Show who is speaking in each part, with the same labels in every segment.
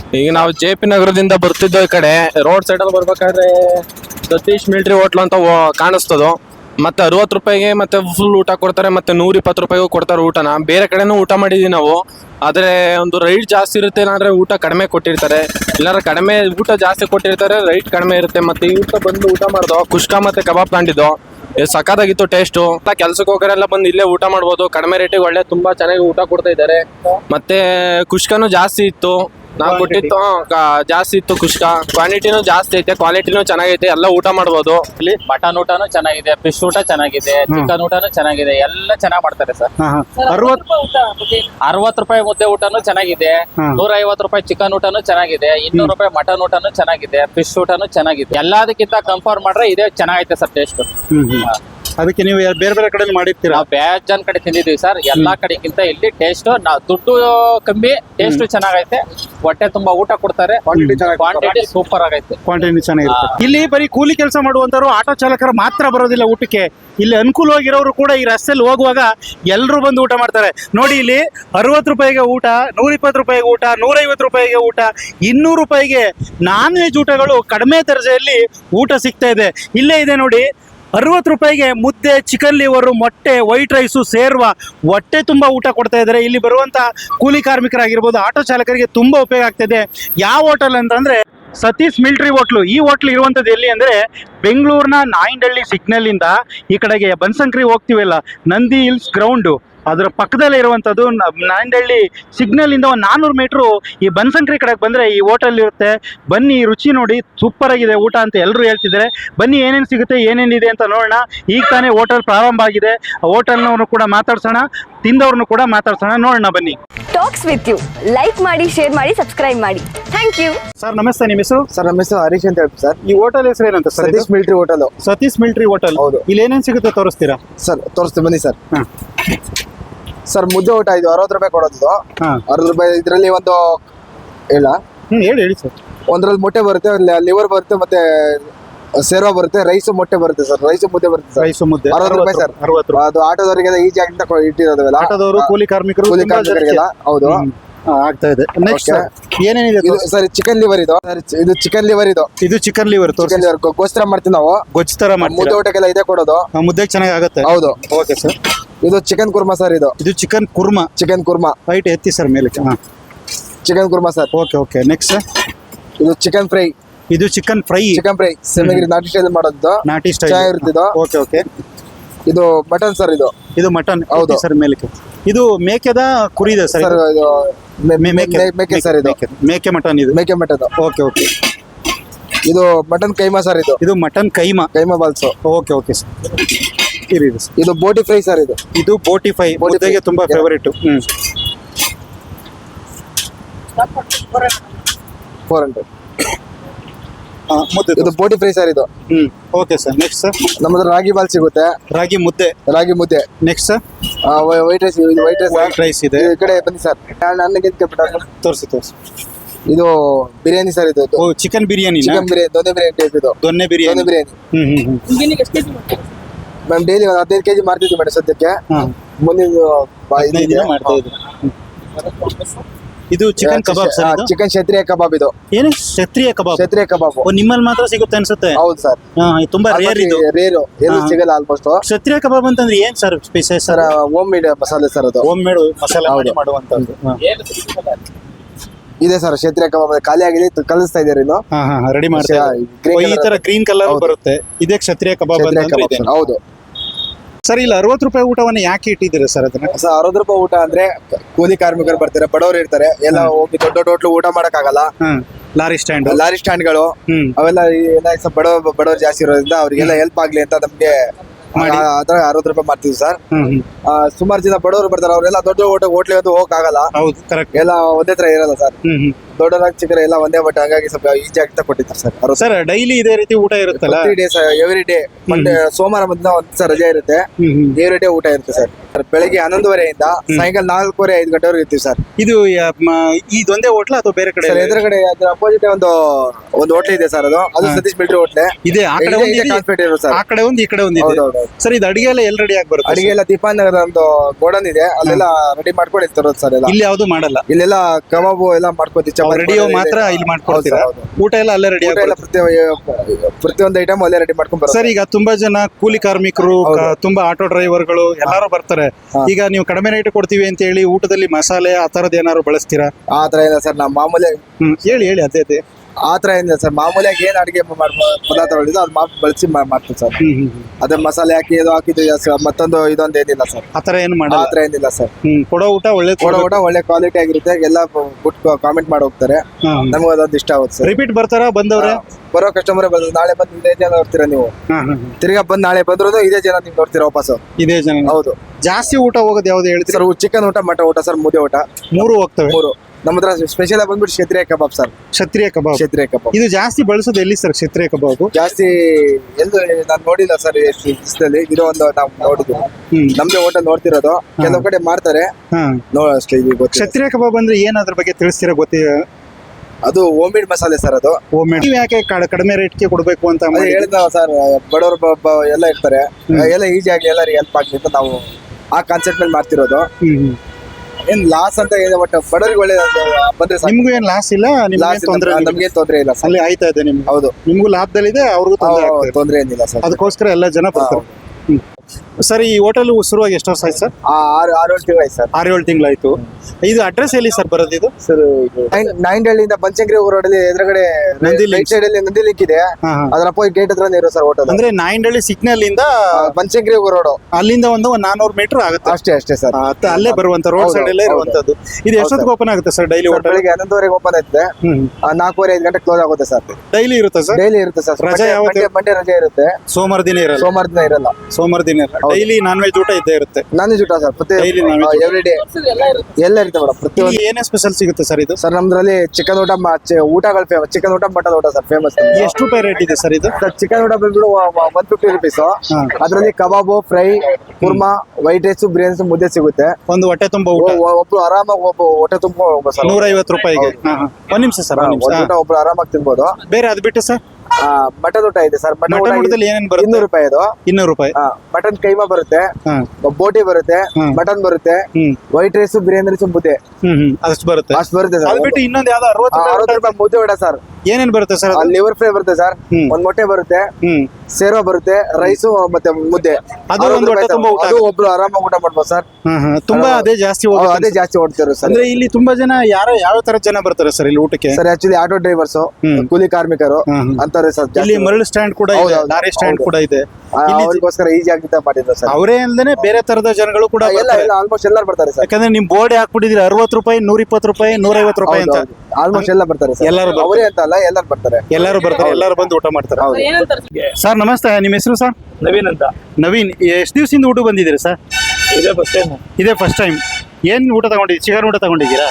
Speaker 1: ಈಗ ನಾವು JP ನಗರದಿಂದ ಬರ್ತಿದ್ದೋ ಈ ಕಡೆ ರೋಡ್ ಸೈಡ್ ಅಲ್ಲಿ ಬರ್ಬೇಕಾದ್ರೆ ಸತೀಶ್ ಮಿಲಿಟರಿ ಹೋಟ್ಲು ಅಂತ ಕಾಣಿಸ್ತದೋ. ಮತ್ತೆ 60 ರೂಪಾಯಿಗೆ ಮತ್ತೆ ಫುಲ್ ಊಟ ಕೊಡ್ತಾರೆ, ಮತ್ತೆ 120 ರೂಪಾಯಿಗೂ ಕೊಡ್ತಾರೆ ಊಟನ. ಬೇರೆ ಕಡೆನೂ ಊಟ ಮಾಡಿದೀವಿ ನಾವು, ಆದ್ರೆ ಒಂದು ರೈಟ್ ಜಾಸ್ತಿ ಇರುತ್ತೆ, ಇಲ್ಲಾಂದ್ರೆ ಊಟ ಕಡಿಮೆ ಕೊಟ್ಟಿರ್ತಾರೆ. ಇಲ್ಲಾಂದ್ರೆ ಕಡಿಮೆ ಊಟ ಜಾಸ್ತಿ ಕೊಟ್ಟಿರ್ತಾರೆ, ರೈಟ್ ಕಡಿಮೆ ಇರುತ್ತೆ. ಮತ್ತೆ ಈ ಊಟ ಬಂದು ಊಟ ಮಾಡ್ದೋ ಕುಷ್ಕ ಮತ್ತೆ ಕಬಾಬ್ ತಗೊಂಡಿದ್ದೋ, ಸಖತ್ತಾಗಿತ್ತು ಟೇಸ್ಟು. ಕೆಲ್ಸಕ್ಕೆ ಹೋಗೋರೆಲ್ಲ ಬಂದು ಇಲ್ಲೇ ಊಟ ಮಾಡ್ಬೋದು, ಕಡಿಮೆ ರೇಟಿಗೆ ಒಳ್ಳೆ ತುಂಬಾ ಚೆನ್ನಾಗಿ ಊಟ ಕೊಡ್ತಾ ಇದ್ದಾರೆ. ಮತ್ತೆ ಕುಷ್ಕನೂ ಜಾಸ್ತಿ ಇತ್ತು, ನಾವು ಕೊಟ್ಟಿತ್ತು ಜಾಸ್ತಿ ಇತ್ತು ಕುಷ್ಕ. ಕ್ವಾಂಟಿಟಿನೂ ಜಾಸ್ತಿ ಐತೆ, ಕ್ವಾಲಿಟಿನೂ ಚೆನ್ನಾಗೈತೆ, ಎಲ್ಲ ಊಟ ಮಾಡ್ಬೋದು.
Speaker 2: ಇಲ್ಲಿ ಮಟನ್ ಊಟನೂ ಚೆನ್ನಾಗಿದೆ, ಫಿಶ್ ಊಟ ಚೆನ್ನಾಗಿದೆ, ಚಿಕನ್ ಊಟನೂ ಚೆನ್ನಾಗಿದೆ, ಎಲ್ಲ ಚೆನ್ನಾಗಿ ಮಾಡ್ತಾರೆ ಸರ್. 60 ರೂಪಾಯಿ ಮುದ್ದೆ ಊಟನೂ ಚೆನ್ನಾಗಿದೆ, 150 ರೂಪಾಯಿ ಚಿಕನ್ ಊಟನೂ ಚೆನ್ನಾಗಿದೆ, 200 ರೂಪಾಯಿ ಮಟನ್ ಊಟನೂ ಚೆನ್ನಾಗಿದೆ, ಫಿಶ್ ಊಟನೂ ಚೆನ್ನಾಗಿದೆ. ಎಲ್ಲದಕ್ಕಿಂತ ಕಂಪೇರ್ ಮಾಡ್ರೆ ಇದೇ ಚೆನ್ನಾಗೈತೆ ಸರ್ ಟೇಸ್ಟ್.
Speaker 3: ಅದಕ್ಕೆ ನೀವು ಬೇರೆ ಬೇರೆ ಕಡೆ ಮಾಡಿರ್ತೀರಾ?
Speaker 2: ನಾವು ಬೇಜಾನ್ ಕಡೆ ತಿಂದಿದ್ದೀವಿ ಸರ್. ಎಲ್ಲಾ ಕಡೆಗಿಂತ ಇಲ್ಲಿ ಟೇಸ್ಟ್ ನಾವು ದುಡ್ಡು ಕಮ್ಮಿ, ಟೇಸ್ಟ್ ಚೆನ್ನಾಗೈತೆ, ಹೊಟ್ಟೆ ತುಂಬಾ ಊಟ ಕೊಡ್ತಾರೆ, ಕ್ವಾಂಟಿಟಿ ಸೂಪರ್ ಆಗೈತೆ,
Speaker 3: ಕ್ವಾಂಟಿಟಿ ಚೆನ್ನಾಗಿರುತ್ತೆ. ಇಲ್ಲಿ ಬರೀ ಕೂಲಿ ಕೆಲಸ ಮಾಡುವಂತವ್ರು ಆಟೋ ಚಾಲಕರು ಮಾತ್ರ ಬರೋದಿಲ್ಲ ಊಟಕ್ಕೆ. ಇಲ್ಲಿ ಅನುಕೂಲವಾಗಿರೋರು ಕೂಡ ಈ ರಸ್ತೆಯಲ್ಲಿ ಹೋಗುವಾಗ ಎಲ್ಲರೂ ಬಂದು ಊಟ ಮಾಡ್ತಾರೆ. ನೋಡಿ, ಇಲ್ಲಿ 60 ರೂಪಾಯಿಗೆ ಊಟ, 120 ರೂಪಾಯಿಗೆ ಊಟ, 150 ರೂಪಾಯಿಗೆ ಊಟ, 200 ರೂಪಾಯಿಗೆ ನಾನ್ ವೆಜ್ ಊಟಗಳು ಕಡಿಮೆ ದರ್ಜೆಯಲ್ಲಿ ಊಟ ಸಿಗ್ತಾ ಇದೆ. ಇಲ್ಲೇ ಇದೆ ನೋಡಿ, 60 ರೂಪಾಯಿಗೆ ಮುದ್ದೆ, ಚಿಕನ್ ಲಿವರು, ಮೊಟ್ಟೆ, ವೈಟ್ ರೈಸು, ಸೇರ್ವ, ಹೊಟ್ಟೆ ತುಂಬ ಊಟ ಕೊಡ್ತಾ ಇದ್ದಾರೆ. ಇಲ್ಲಿ ಬರುವಂಥ ಕೂಲಿ ಕಾರ್ಮಿಕರಾಗಿರ್ಬೋದು, ಆಟೋ ಚಾಲಕರಿಗೆ ತುಂಬ ಉಪಯೋಗ ಆಗ್ತಿದೆ. ಯಾವ ಹೋಟೆಲ್ ಅಂತಂದರೆ ಸತೀಶ್ ಮಿಲಿಟರಿ ಹೋಟ್ಲು. ಈ ಹೋಟ್ಲು ಇರುವಂಥದ್ದು ಎಲ್ಲಿ ಅಂದರೆ ಬೆಂಗಳೂರಿನ ನಾಯಂಡಹಳ್ಳಿ ಸಿಗ್ನಲಿಂದ ಈ ಕಡೆಗೆ ಬನಶಂಕರಿ ಹೋಗ್ತೀವಲ್ಲ, ನಂದಿ ಹಿಲ್ಸ್ ಗ್ರೌಂಡು ಅದರ ಪಕ್ಕದಲ್ಲೇ ಇರುವಂಥದ್ದು. ನಾಯಂಡಹಳ್ಳಿ ಸಿಗ್ನಲಿಂದ ಒಂದು 400 ಮೀಟ್ರು ಈ ಬನಶಂಕರಿ ಕಡೆಗೆ ಬಂದರೆ ಈ ಹೋಟೆಲ್ ಇರುತ್ತೆ. ಬನ್ನಿ, ರುಚಿ ನೋಡಿ, ಸೂಪರ್ ಆಗಿದೆ ಊಟ ಅಂತ ಎಲ್ಲರೂ ಹೇಳ್ತಿದ್ದಾರೆ. ಬನ್ನಿ, ಏನೇನು ಸಿಗುತ್ತೆ, ಏನೇನಿದೆ ಅಂತ ನೋಡೋಣ. ಈಗ ತಾನೇ ಹೋಟೆಲ್ ಪ್ರಾರಂಭ ಆಗಿದೆ. ಹೋಟೆಲ್ನವ್ರನ್ನು ಕೂಡ ಮಾತಾಡ್ಸೋಣ, ತಿಂದವ್ರನ್ನು ಕೂಡ ಮಾತಾಡ್ಸೋಣ, ನೋಡೋಣ ಬನ್ನಿ.
Speaker 4: ಟಾಕ್ಸ್ ವಿತ್ ಯು ಲೈಕ್ ಮಾಡಿ, ಶೇರ್ ಮಾಡಿ, ಸಬ್ಸ್ಕ್ರೈಬ್ ಮಾಡಿ. Thank you
Speaker 3: sir. ನಮಸ್ತೆ, ನಿಮ್ಮ ಹೆಸರು?
Speaker 5: ಸರ್, ನಮ್ಮ ಹೆಸರು ಹರೀಶ್ ಅಂತ ಹೇಳ್ತೀವಿ ಸರ್.
Speaker 3: ಈ ಹೋಟೆಲ್ ಹೆಸರು ಏನಂತ sir?
Speaker 5: Satish military hotel.
Speaker 3: Satish military hotel.
Speaker 5: ಹೌದು.
Speaker 3: ಇಲ್ಲಿ ಏನೇನು ಸಿಗುತ್ತೆ ತೋರಿಸ್ತೀರಾ?
Speaker 5: ಸರ್, ತೋರಿಸ್ತೀವಿ ಬನ್ನಿ ಸರ್.
Speaker 3: ಹಾಂ
Speaker 5: ಸರ್, ಮುದ್ದೆ ಊಟ ಇದು 60 ರೂಪಾಯಿ ಕೊಡೋದು. 60 ರೂಪಾಯಿ. ಇದರಲ್ಲಿ ಒಂದು
Speaker 3: ಹೇಳಿ ಸರ್.
Speaker 5: ಒಂದ್ರಲ್ಲಿ ಮೊಟ್ಟೆ ಬರುತ್ತೆ, ಲಿವರ್ ಬರುತ್ತೆ, ಮತ್ತೆ ಸೇರ್ವ ಬರುತ್ತೆ, ರೈಸು ಮೊಟ್ಟೆ ಬರುತ್ತೆ ಸರ್. ರೈಸು ಮುದ್ದೆ ಬರುತ್ತೆ ಸರ್.
Speaker 3: ರೈಸು ಮುದ್ದೆ
Speaker 5: 60 ರೂಪಾಯಿ ಸರ್.
Speaker 3: 60.
Speaker 5: ಅದು ಆಟೋದವರಿಗೆಲ್ಲ ಈಜಿ ಆಗಿಂತ ಇಟ್ಟಿರೋದಲ್ಲ,
Speaker 3: ಆಟೋದವರು, ಕೂಲಿ ಕಾರ್ಮಿಕರು,
Speaker 5: ಕೂಲಿ ಕಾರ್ಮಿಕರಿಗೆಲ್ಲ. ಹೌದು,
Speaker 3: ಆಗ್ತಾ ಇದೆ. ನೆಕ್ಸ್ಟ್ ಏನೇನಿದೆ
Speaker 5: ಸರ್? ಚಿಕನ್ ಲಿವರ್ ಇದು. ಇದು ಚಿಕನ್ ಲಿವರ್. ಇದು
Speaker 3: ಚಿಕನ್ ಲಿವರ್.
Speaker 5: ಚಿಕನ್ ಲಿವರ್ ಗೋಸ್ಕರ ಮಾಡ್ತೀವಿ ನಾವು.
Speaker 3: ಗೊಜ್ಜು ತರ ಮಾಡ್ತೀವಿ.
Speaker 5: ಮುದ್ದೆ ಊಟಕ್ಕೆಲ್ಲ ಇದೇ ಕೊಡೋದು.
Speaker 3: ಮುದ್ದೆ ಚೆನ್ನಾಗಿ ಆಗುತ್ತೆ.
Speaker 5: ಹೌದು.
Speaker 3: Okay sir.
Speaker 5: ಇದು ಚಿಕನ್ ಕುರ್ಮಾ ಸರ್. ಇದು
Speaker 3: chicken kurma.
Speaker 5: Chicken kurma
Speaker 3: right, ಎತ್ತಿ ಸರ್ ಮೇಲೆ.
Speaker 5: Chicken kurma sir.
Speaker 3: Okay okay. Next
Speaker 5: ಇದು ಚಿಕನ್ ಫ್ರೈ.
Speaker 3: ಇದು ಚಿಕನ್ ಫ್ರೈ.
Speaker 5: ಚಿಕನ್ ಫ್ರೈ ಸೆಮಿಗಿರಿ ನಾಟಿ ಸ್ಟೈಲ್ ಮಾಡೋದು.
Speaker 3: ನಾಟಿ ಸ್ಟೈಲ್
Speaker 5: ಚೆನ್ನಾಗಿರುತ್ತಿದ್ದು.
Speaker 3: Okay okay.
Speaker 5: ಇದು ಮಟನ್ ಸರ್. ಇದು
Speaker 3: ಮಟನ್.
Speaker 5: ಹೌದು
Speaker 3: ಸರ್ ಮೇಲೆ. ಇದು ಮೇಕೆದ ಕುರಿದೆ ಸರ್?
Speaker 5: ಸರ್, ಇದು ಮೇಕೆ ಸರ್. ಇದು
Speaker 3: ಮೇಕೆ ಮಟನ್. ಇದು
Speaker 5: ಮೇಕೆ ಮಟನ್.
Speaker 3: Okay okay.
Speaker 5: ಇದು ಮಟನ್ ಕೈಮಾ ಸರ್. ಇದು
Speaker 3: mutton keema.
Speaker 5: Keema balls.
Speaker 3: Okay okay sir. ಇರಿದೆ ಸರ್.
Speaker 5: ಇದು ಬೋಟಿ ಫ್ರೈ ಸರ್. ಇದು
Speaker 3: ಬೋಟಿ ಫ್ರೈ ಮುದ್ದೆಗೆ ತುಂಬಾ ಫೇವರೇಟ್.
Speaker 5: 400.
Speaker 3: ಮುದ್ದೆ.
Speaker 5: ಇದು ಬೋಟಿ ಫ್ರೈ ಸರ್. ಇದು
Speaker 3: ಓಕೆ ಸರ್. Next sir?
Speaker 5: ನಮ್ಮದ್ರ ರಾಗಿ ಬಾಲ್ ಸಿಗುತ್ತೆ.
Speaker 3: ರಾಗಿ ಮುದ್ದೆ.
Speaker 5: ರಾಗಿ ಮುದ್ದೆ.
Speaker 3: Next sir?
Speaker 5: White rice. ಇದು ವೈಟ್ ರೈಸ್
Speaker 3: ಇದೆ.
Speaker 5: ಈ ಕಡೆ ಬನ್ನಿ ಸರ್. ನನಗೆ
Speaker 3: ತೋರಿಸಿ.
Speaker 5: ಇದು ಬಿರಿಯಾನಿ ಸರ್. ಇದು
Speaker 3: ಚಿಕನ್ ಬಿರಿಯಾನಿ.
Speaker 5: ಚಿಕನ್ ಬಿರಿಯಾನಿ, ದೊನ್ನೆ ಬಿರಿಯಾನಿ ಟೈಪ್. ಇದು
Speaker 3: ದೊನ್ನೆ ಬಿರಿಯಾನಿ.
Speaker 5: ಮ್ಯಾಮ್ ಡೈಲಿ 15 kg ಮಾಡ್ತಿದ್ವಿ ಮೇಡಮ್ ಸದ್ಯಕ್ಕೆ. ಮುಂದಿನ
Speaker 3: ಮಾಡ್ತಾ ಇದ್ದೀವಿ. ಇದು chicken kebab sir.
Speaker 5: Chicken Kshatriya kebab. ಇದು
Speaker 3: ಏನು ಕ್ಷತ್ರಿಯ ಕಬಾಬ್?
Speaker 5: ಕ್ಷತ್ರಿಯ ಕಬಾಬ್
Speaker 3: ನಿಮ್ಮಲ್ಲಿ ಮಾತ್ರ ಸಿಗುತ್ತೆ ಅನ್ಸುತ್ತೆ.
Speaker 5: ಹೌದು ಸರ್.
Speaker 3: ತುಂಬಾ ರೇರ್. ಇದು
Speaker 5: ರೇರು, ಎಲ್ಲೂ ಸಿಗಲ್ಲ ಆಲ್ಮೋಸ್ಟ್.
Speaker 3: ಕ್ಷತ್ರಿಯ ಕಬಾಬ್ ಅಂತಂದ್ರೆ ಏನ್ sir special
Speaker 5: sir? Home made ಮಸಾಲೆ ಸರ್. ಅದು
Speaker 3: ಹೋಮ್ ಮೇಡ್ ಮಸಾಲೆ ಮಾಡಿ ಮಾಡುವಂತದ್ದು
Speaker 5: ಇದೆ ಸರ್. ಕ್ಷತ್ರಿಯ ಕಬಾಬ್ ಖಾಲಿ ಆಗಿದೆ, ಕಲಿಸ್ತಾ ಇದ್ದಾರೆ ಇನ್ನು.
Speaker 3: ರೆಡಿ ಮಾಡ್ತಾ ಈ ತರ ಗ್ರೀನ್ ಕಲರ್ ಬರುತ್ತೆ. ಇದೇ ಕ್ಷತ್ರಿಯ ಕಬಾಬ್ ಅಂತ.
Speaker 5: ಹೌದು
Speaker 3: ಸರ್. ಇಲ್ಲಿ 60 ರೂಪಾಯಿ ಊಟವನ್ನ ಯಾಕೆ ಇಟ್ಟಿದ್ದೀರಾ ಸರ್? ಅದನ್ನ
Speaker 5: ಸರ್ 60 ರೂಪಾಯಿ ಊಟ ಅಂದ್ರೆ ಕೂಲಿ ಕಾರ್ಮಿಕರು ಬರ್ತಾರೆ, ಬಡವರು ಇರ್ತಾರೆ, ಎಲ್ಲ ಹೋಗಿ ದೊಡ್ಡ ದೊಡ್ಡ ಹೋಟ್ಲು ಊಟ ಮಾಡಕ್ ಆಗಲ್ಲ.
Speaker 3: ಲಾರಿ
Speaker 5: ಸ್ಟ್ಯಾಂಡ್ಗಳು ಅವೆಲ್ಲ ಬಡವರು ಜಾಸ್ತಿ ಇರೋದ್ರಿಂದ ಅವ್ರಿಗೆಲ್ಲ ಹೆಲ್ಪ್ ಆಗ್ಲಿ ಅಂತ ನಮ್ಗೆ ಆತರ 60 ರೂಪಾಯಿ ಮಾಡ್ತೀವಿ ಸರ್. ಸುಮಾರು ಜನ ಬಡವರು ಬರ್ತಾರೆ, ಅವರೆಲ್ಲ ದೊಡ್ಡ ಹೋಟ್ಲಿಗೆ ಅಂತೂ ಹೋಗಕ್ ಆಗಲ್ಲ. ಎಲ್ಲ ಒಂದೇ ತರ ಇರಲ್ಲ ಸರ್. ದೊಡ್ಡರಾಗಿ ಚಿಕ್ಕರ ಎಲ್ಲ ಒಂದೇ ಬಟ್ ಹಂಗಾಗಿ ಸ್ವಲ್ಪ ಈಜಿ ಆಗ್ತಾ ಕೊಟ್ಟಿದ್ದಾರೆ ಸರ್.
Speaker 3: ಸರ್ ಡೈಲಿ ಇದೇ ರೀತಿ ಊಟ ಇರುತ್ತಲ್ಲ?
Speaker 5: 3 days ಎವ್ರಿ ಡೇ. ಮಂಡೇ ಸೋಮವಾರ ಬಂದ ಒಂದ್ ರಜೆ ಇರುತ್ತೆ, ಎವ್ರಿ ಡೇ ಊಟ ಇರುತ್ತೆ ಸರ್. ಬೆಳಿಗ್ಗೆ 11:30 ಸಾಯಂಕಾಲ 4:30 5 ಗಂಟೆವರೆಗೂ ಇರ್ತೀವಿ ಸರ್.
Speaker 3: ಇದು ಇದೊಂದೇ ಹೋಟ್ಲ ಅಥವಾ ಬೇರೆ ಕಡೆ?
Speaker 5: ಎದುರುಗಡೆ ಅದ್ರ ಅಪೋಸಿಟ್ ಒಂದು ಹೋಟ್ಲ್ ಇದೆ ಸರ್. ಅದು ಸತೀಶ್ ಮಿಲಿಟರಿ ಹೋಟ್ಲೆ ಇದೆ.
Speaker 3: ಆ ಕಡೆ ಒಂದು, ಈ ಕಡೆ ಒಂದು. ಸರ್ ಇದು ಅಡಿಗೆ ಎಲ್ಲ ಎಲ್ಲಿ ರೆಡಿ ಆಗಿ ಬರುತ್ತೆ
Speaker 5: ಅಡಿಗೆ ಎಲ್ಲ ದೀಪಾನಗರ ಒಂದು ಗೋಡನ್ ಇದೆ, ಅಲ್ಲೆಲ್ಲ ರೆಡಿ ಮಾಡ್ಕೊಂಡು ತರೋದು ಸರ್ ಎಲ್ಲ.
Speaker 3: ಇಲ್ಲಿ ಯಾವ್ದು ಮಾಡಲ್ಲ,
Speaker 5: ಇಲ್ಲೆಲ್ಲ ಕಬಾಬು ಎಲ್ಲ ಮಾಡ್ಕೋತೀವಿ.
Speaker 3: ರೆಡಿಯೋ ಮಾತ್ರ ಇಲ್ಲಿ ಮಾಡ್ಕೊಡ್ತೀರಾ? ಊಟ ಎಲ್ಲ ಅಲ್ಲೇ ರೆಡಿ
Speaker 5: ಎಲ್ಲ ಪ್ರತಿಯೊಂದು ಐಟಮ್ ಅಲ್ಲೇ ರೆಡಿ ಮಾಡ್ಕೊಂಡು ಬರೋದು.
Speaker 3: ಸರ್ ಈಗ ತುಂಬಾ ಜನ ಕೂಲಿ ಕಾರ್ಮಿಕರು, ತುಂಬಾ ಆಟೋ ಡ್ರೈವರ್ಗಳು ಎಲ್ಲಾರು ಬರ್ತಾರೆ. ಈಗ ನೀವು ಕಡಿಮೆ ರೇಟ್ ಕೊಡ್ತೀವಿ ಅಂತ ಹೇಳಿ ಊಟದಲ್ಲಿ ಮಸಾಲೆ ಆ ತರದ್ ಏನಾದ್ರು ಬಳಸ್ತೀರಾ?
Speaker 5: ಆ ತರ ಇಲ್ಲ ಸರ್, ನಾವು ಮಾಮೂಲಿ
Speaker 3: ಹೇಳಿ ಅದೇ
Speaker 5: ಆ ತರ ಏನಿಲ್ಲ ಸರ್. ಮಾಮೂಲಿಯಾಗಿ ಏನ್ ಅಡಿಗೆ ಪದಾರ್ಥಗಳಿದೆ ಅದು ಬಳಸಿ ಮಾಡ್ತೀವಿ ಸರ್. ಅದೇ ಮಸಾಲೆ ಹಾಕಿ ಇದು ಹಾಕಿದ್ದು ಮತ್ತೊಂದು ಇದೊಂದು ಏನಿಲ್ಲ ಸರ್.
Speaker 3: ಆತರ ಏನು ಮಾಡಲ್ಲ?
Speaker 5: ಆ ತರ ಏನಿಲ್ಲ ಸರ್.
Speaker 3: ಕೊಡೋ ಊಟ ಒಳ್ಳೆ
Speaker 5: ಒಳ್ಳೆ ಕ್ವಾಲಿಟಿ ಆಗಿರುತ್ತೆ. ಎಲ್ಲ ಗುಡ್ ಕಾಮೆಂಟ್ ಮಾಡಿ ಹೋಗ್ತಾರೆ. ನಮ್ಗೆ ಅದೊಂದು ಇಷ್ಟ ಆಗುತ್ತೆ ಸರ್.
Speaker 3: ರಿಪೀಟ್ ಬರ್ತಾರಾ ಬಂದವ್ರೆ?
Speaker 5: ಬರೋ ಕಸ್ಟಮರ್ ಬಂದ್ರು ನಾಳೆ ಬಂದು ಇದೇ ಜನ ನೋಡ್ತೀರಾ ನೀವು. ತಿರ್ಗಾ ಬಂದು ನಾಳೆ ಬಂದ್ರು ಇದೇ ಜನ ನೀವು ನೋಡ್ತೀರಾ ವಾಪಸ್.
Speaker 3: ಇದೇ ಜನ? ಹೌದು. ಜಾಸ್ತಿ ಊಟ ಹೋಗೋದು ಯಾವ್ದು ಹೇಳ್ತೀರಾ
Speaker 5: ಸರ್? ಚಿಕನ್ ಊಟ, ಮಟನ್ ಊಟ ಸರ್, ಮುದ್ದೆ ಊಟ 3
Speaker 3: ಹೋಗ್ತವೆ.
Speaker 5: 3 ನಮ್ಮ ಹತ್ರ ಸ್ಪೆಷಲ್ ಆಗಿ ಬಂದ್ಬಿಟ್ಟು ಕ್ಷತ್ರಿಯ ಕಬಾಬ್ ಸರ್.
Speaker 3: ಕ್ಷತ್ರಿಯ ಕಬಾಬ್ ಇದು ಜಾಸ್ತಿ ಬಳಸೋದು ಎಲ್ಲಿ ಸರ್? ಕ್ಷತ್ರಿಯ ಕಬಾಬ್
Speaker 5: ಜಾಸ್ತಿ ಎಲ್ಲೂ ನಾನು ನೋಡಿಲ್ಲ ಸರ್. ಇಷ್ಟದಲ್ಲಿ ಇದು ಒಂದು ನಾವು ನೋಡಿದ್ವಿ, ನಮ್ದೇ ಹೋಟೆಲ್ ನೋಡ್ತಿರೋದು. ಕೆಲವು ಕಡೆ ಮಾಡ್ತಾರೆ, ಅಷ್ಟೇ.
Speaker 3: ಕ್ಷತ್ರಿಯ ಕಬಾಬ್ ಅಂದ್ರೆ ಏನ್ ಅದ್ರ ಬಗ್ಗೆ ತಿಳಿಸ್ತೀರಾ? ಗೊತ್ತಿಲ್ಲ.
Speaker 5: ಅದು ಹೋಮ್ ಮೇಡ್ ಮಸಾಲೆ ಸರ್. ಅದು
Speaker 3: ಹೋಮ್ ಮೇಡ್. ಯಾಕೆ ಕಡಿಮೆ ರೇಟ್ಗೆ ಕೊಡ್ಬೇಕು ಅಂತ
Speaker 5: ಹೇಳಿದ ಸರ್. ಬಡವರು ಎಲ್ಲ ಇರ್ತಾರೆ, ಎಲ್ಲ ಈಜಿ ಆಗಿ ಎಲ್ಲರಿಗೆ ಹೆಲ್ಪ್ ಆಗ್ಲಿ ಅಂತ ನಾವು ಆ ಕಾನ್ಸೆಪ್ಟ್ ಮೇಲೆ ಮಾಡ್ತಿರೋದು. ಏನ್ ಲಾಸ್ ಅಂತ ಇದೆ, ಬಟ್ ಬಡವರಿಗೆ ಒಳ್ಳೆ ಬಂದ್ರೆ
Speaker 3: ನಿಮ್ಗೂ ಏನ್ ಲಾಸ್ ಇಲ್ಲ?
Speaker 5: ನಮ್ಗೆ ತೊಂದ್ರೆ ಇಲ್ಲ ಸರ್.
Speaker 3: ಅಲ್ಲಿ ಆಯ್ತಾ ಇದೆ ನಿಮ್ಗೆ?
Speaker 5: ಹೌದು,
Speaker 3: ನಿಮ್ಗೂ ಲಾಭದಲ್ಲಿದೆ, ಅವ್ರಿಗೂ
Speaker 5: ತೊಂದ್ರೆ ಏನಿಲ್ಲ ಸರ್.
Speaker 3: ಅದಕ್ಕೋಸ್ಕರ ಎಲ್ಲ ಜನ ಬರ್ತಾರೆ. ಸರ್ ಈ ಹೋಟೆಲ್ ಶುರುವಾಗಿ ಎಷ್ಟು ವರ್ಷ ಆಯ್ತು ಸರ್?
Speaker 5: 6-7 ತಿಂಗಳಾಯ್ತು ಸರ್.
Speaker 3: 6-7 ತಿಂಗಳಾಯ್ತು. ಇದು ಅಡ್ರೆಸ್ ಎಲ್ಲಿ ಸರ್ ಬರೋದು ಇದು?
Speaker 5: ಸರ್ ನಾಯಿಂಡಳ್ಳಿಯಿಂದ ಬನಶಂಕರಿ ರೋಡ್ ಅಲ್ಲಿ ಎದುರುಗಡೆ ರೈಟ್ ಸೈಡ್ ಅಲ್ಲಿ ನಂದಿ ಲಿಂಕ್ ಇದೆ, ಅದ್ರ ಅಪೋಸಿಟ್ ಗೇಟ್ ಹತ್ರ ಇರೋ ಸರ್ ಹೋಟೆಲ್.
Speaker 3: ಅಂದ್ರೆ ನಾಯಿಂಡಳ್ಳಿ ಸಿಗ್ನಲ್ ಇಂದ
Speaker 5: ಬನಶಂಕರಿ ರೋಡ್
Speaker 3: ಅಲ್ಲಿಂದ ಒಂದು 400 ಮೀಟರ್ ಆಗುತ್ತೆ
Speaker 5: ಅಷ್ಟೇ ಸರ್.
Speaker 3: ಅಲ್ಲೇ ಬರುವಂತ ರೋಡ್ ಸೈಡ್ ಅಲ್ಲೇ ಇರುವಂತದ್ದು. ಇದು ಎಷ್ಟೊತ್ತಿಗೆ ಓಪನ್ ಆಗುತ್ತೆ ಸರ್ ಡೈಲಿ? ಹೋಟೆಲ್
Speaker 5: ಬೆಳಿಗ್ಗೆ 11:00 ಓಪನ್ ಆಯ್ತದೆ, 4:30-5 ಗಂಟೆ ಕ್ಲೋಸ್ ಆಗುತ್ತೆ ಸರ್.
Speaker 3: ಡೈಲಿ ಇರುತ್ತೆ ಸರ್?
Speaker 5: ಡೈಲಿ ಇರುತ್ತೆ ಸರ್.
Speaker 3: ರಜೆ ಯಾವತ್ತು?
Speaker 5: ಮಂಡೇ ರಜೆ ಇರುತ್ತೆ.
Speaker 3: ಸೋಮವಾರ ದಿನ ಇರಲ್ಲ?
Speaker 5: ಸೋಮವಾರ ದಿನ ಇರಲ್ಲ.
Speaker 3: ಸೋಮವಾರ ದಿನ ಡೈಲಿ ನಾನ್ ವೆಜ್ ಊಟ ಇದ್ದೇ ಇರುತ್ತೆ?
Speaker 5: ನಾನ್ ವೆಜ್ ಊಟ ಸರ್
Speaker 3: ಡೈಲಿ
Speaker 5: ಎವ್ರಿ ಡೇ ಎಲ್ಲ ಇರುತ್ತೆ ಮೇಡಮ್. ಪ್ರತಿಯೊಂದು
Speaker 3: ಏನೇ ಸ್ಪೆಷಲ್ ಸಿಗುತ್ತೆ ಸರ್ ಇದು?
Speaker 5: ಸರ್ ನಮ್ದ್ರಲ್ಲಿ ಚಿಕನ್ ಊಟ ಊಟಗಳು ಫೇಮಸ್. ಚಿಕನ್ ಊಟ, ಮಟನ್ ಊಟ ಸರ್ ಫೇಮಸ್.
Speaker 3: ಎಷ್ಟು ರೂಪಾಯಿ ರೇಟ್ ಇದೆ ಸರ್ ಇದು?
Speaker 5: ಚಿಕನ್ ಊಟ ಬಂದ್ಬಿಟ್ಟು 150 ರುಪೀಸ್. ಅದ್ರಲ್ಲಿ kebab, fry, kurma, white rice, biryani, ಮುದ್ದೆ ಸಿಗುತ್ತೆ.
Speaker 3: ಒಂದು ಹೊಟ್ಟೆ ತುಂಬ ಊಟ
Speaker 5: ಒಬ್ರು ಆರಾಮಾಗಿ ಹೊಟ್ಟೆ ತುಂಬ
Speaker 3: 150 ರೂಪಾಯಿಗೆ. ಒಂದ್ ನಿಮಿಷ ಸರ್,
Speaker 5: ಒಬ್ರು ಆರಾಮಾಗಿ ತಿನ್ಬೋದು.
Speaker 3: ಬೇರೆ ಅದ್ ಬಿಟ್ಟು ಸರ್
Speaker 5: ಮಟನ್ ಊಟ ಇದೆ ಸರ್. ಮಟನ್
Speaker 3: ಊಟದಲ್ಲಿ ಏನೇನ್ ಬರುತ್ತೆ?
Speaker 5: 200 ರೂಪಾಯಿ. ಅದು
Speaker 3: 200 ರೂಪಾಯಿ.
Speaker 5: ಮಟನ್ ಕೈಮಾ ಬರುತ್ತೆ, ಬೋಟಿ ಬರುತ್ತೆ, ಮಟನ್ ಬರುತ್ತೆ, ವೈಟ್ ರೈಸ್, ಬಿರಿಯಾನಿ ರೈಸ್, ಮುದ್ದೆ
Speaker 3: ಅಷ್ಟು ಬರುತ್ತೆ.
Speaker 5: ಅಷ್ಟು ಬರುತ್ತೆ ಸರ್.
Speaker 3: ಅದ್ ಬಿಟ್ಟು ಇನ್ನೊಂದು ಯಾವ್ದು
Speaker 5: 60 ರೂಪಾಯಿ ಮುದ್ದೆ ಊಟ ಸರ್.
Speaker 3: ಏನೇನ್ ಬರುತ್ತೆ ಸರ್?
Speaker 5: ಲಿವರ್ ಫ್ರೈ ಬರುತ್ತೆ ಸರ್, ಒಂದ್ ಮೊಟ್ಟೆ ಬರುತ್ತೆ, ಸೇರೋ ಬರುತ್ತೆ, ರೈಸು ಮತ್ತೆ ಮುದ್ದೆ.
Speaker 3: ಅದು ಒಂದು ಹೊಟ್ಟೆ ತುಂಬ ಊಟ.
Speaker 5: ಅದು ಒಬ್ರು ಆರಾಮಾಗಿ ಊಟ ಮಾಡ್ಬೋದು ಸರ್.
Speaker 3: ತುಂಬಾ ಅದೇ ಜಾಸ್ತಿ
Speaker 5: ಅದೇ ಜಾಸ್ತಿ ಓಡ್ತಾರೆ ಸರ್.
Speaker 3: ಅಂದ್ರೆ ಇಲ್ಲಿ ತುಂಬಾ ಜನ ಯಾವ ತರ ಜನ ಬರ್ತಾರೆ ಸರ್ ಇಲ್ಲಿ ಊಟಕ್ಕೆ?
Speaker 5: ಸರ್ ಆಕ್ಚುಲಿ ಆಟೋ ಡ್ರೈವರ್ಸ್, ಕೂಲಿ ಕಾರ್ಮಿಕರು ಅಂತಾರೆ ಸರ್.
Speaker 3: ಇಲ್ಲಿ ಮರಳು ಸ್ಟ್ಯಾಂಡ್ ಕೂಡ ಇದೆ, ಲಾರಿ ಸ್ಟ್ಯಾಂಡ್ ಕೂಡ ಇದೆ.
Speaker 5: ಅವ್ರಿಗೋಸ್ಕರ ಈಜಿ ಆಗಿದ್ದ ಮಾಡಿದ್ರು ಸರ್.
Speaker 3: ಅವರೇ ಅಲ್ಲದೆ ಬೇರೆ ತರದ ಜನಗಳು ಕೂಡ
Speaker 5: ಆಲ್ಮೋಸ್ಟ್ ಎಲ್ಲರೂ ಬರ್ತಾರೆ ಸರ್.
Speaker 3: ಯಾಕಂದ್ರೆ ನಿಮ್ ಬೋರ್ಡ್ ಹಾಕ್ಬಿಟ್ಟಿದ್ರೆ 60 ರೂಪಾಯಿ, 120 ರೂಪಾಯಿ, 150 ರೂಪಾಯಿ ಅಂತ.
Speaker 5: ಆಲ್ಮೋಸ್ಟ್ ಎಲ್ಲ ಬರ್ತಾರೆ ಸರ್.
Speaker 3: ಎಲ್ಲರೂ
Speaker 5: ಅವರೇ ಅಂತ ಅಲ್ಲ, ಎಲ್ಲರೂ ಬರ್ತಾರೆ.
Speaker 3: ಎಲ್ಲರೂ ಬಂದು ಊಟ ಮಾಡ್ತಾರೆ. ಸರ್ ನಮಸ್ತೆ, ನಿಮ್ಮ ಹೆಸರು ಸರ್?
Speaker 2: ನವೀನ್ ಅಂತ.
Speaker 3: ನವೀನ್, ಎಷ್ಟು ದಿವಸದಿಂದ ಊಟ ಬಂದಿದ್ದೀರಾ ಸರ್? ಇದೇ ಫಸ್ಟ್ ಟೈಮ್. ಏನ್ ಊಟ ತಗೊಂಡಿದ್ದೀರಾ? ಚಿಕನ್ ಊಟ ತಗೊಂಡಿದ್ದೀರಾ?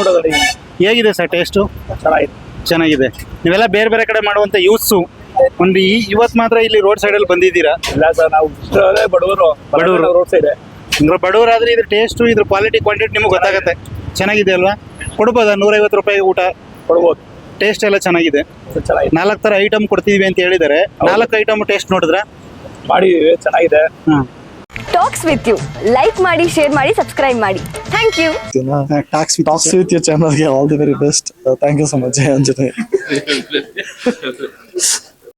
Speaker 3: ಹೇಗಿದೆ ಸರ್ ಟೇಸ್ಟು? ಚೆನ್ನಾಗಿದೆ. ನೀವೆಲ್ಲ ಬೇರೆ ಬೇರೆ ಕಡೆ ಮಾಡುವಂತ ಯೂತ್ಸು ಒಂದು ಇವತ್ತು ಮಾತ್ರ ಇಲ್ಲಿ ರೋಡ್ ಸೈಡ್ ಅಲ್ಲಿ ಬಂದಿದ್ದೀರಾ?
Speaker 2: ಇಲ್ಲ ಸರ್, ನಾವು ಬಡವರು ರೋಡ್ ಸೈಡ್.
Speaker 3: ಬಡವರಾದ್ರೆ ಇದ್ರ ಟೇಸ್ಟು, ಇದ್ರ ಕ್ವಾಲಿಟಿ, ಕ್ವಾಂಟಿಟಿ ನಿಮ್ಗೆ ಗೊತ್ತಾಗುತ್ತೆ. ಚೆನ್ನಾಗಿದೆ ಅಲ್ವಾ? ಕೊಡ್ಬೋದಾ? 150 ರೂಪಾಯಿಗೆ ಊಟ
Speaker 2: ಕೊಡ್ಬೋದು.
Speaker 3: ಟೇಸ್ಟ್ ಎಲ್ಲ ಚೆನ್ನಾಗಿದೆ. 4 ತರ ಐಟಮ್ ಕೊಡ್ತಿದೀವಿ ಅಂತ ಹೇಳಿದ್ದಾರೆ. 4 ಐಟಮ್ ಟೇಸ್ಟ್ ನೋಡಿದ್ರ?
Speaker 2: ಮಾಡಿದೀವಿ, ಚೆನ್ನಾಗಿದೆ.
Speaker 4: ಟಾಕ್ಸ್ ವಿತ್ ಯು ಲೈಕ್ ಮಾಡಿ, ಶೇರ್ ಮಾಡಿ, ಸಬ್ಸ್ಕ್ರೈಬ್ ಮಾಡಿ. Thank you.
Speaker 6: Talks with your channel. Yeah, all the very best. Thank you so much, Anjali.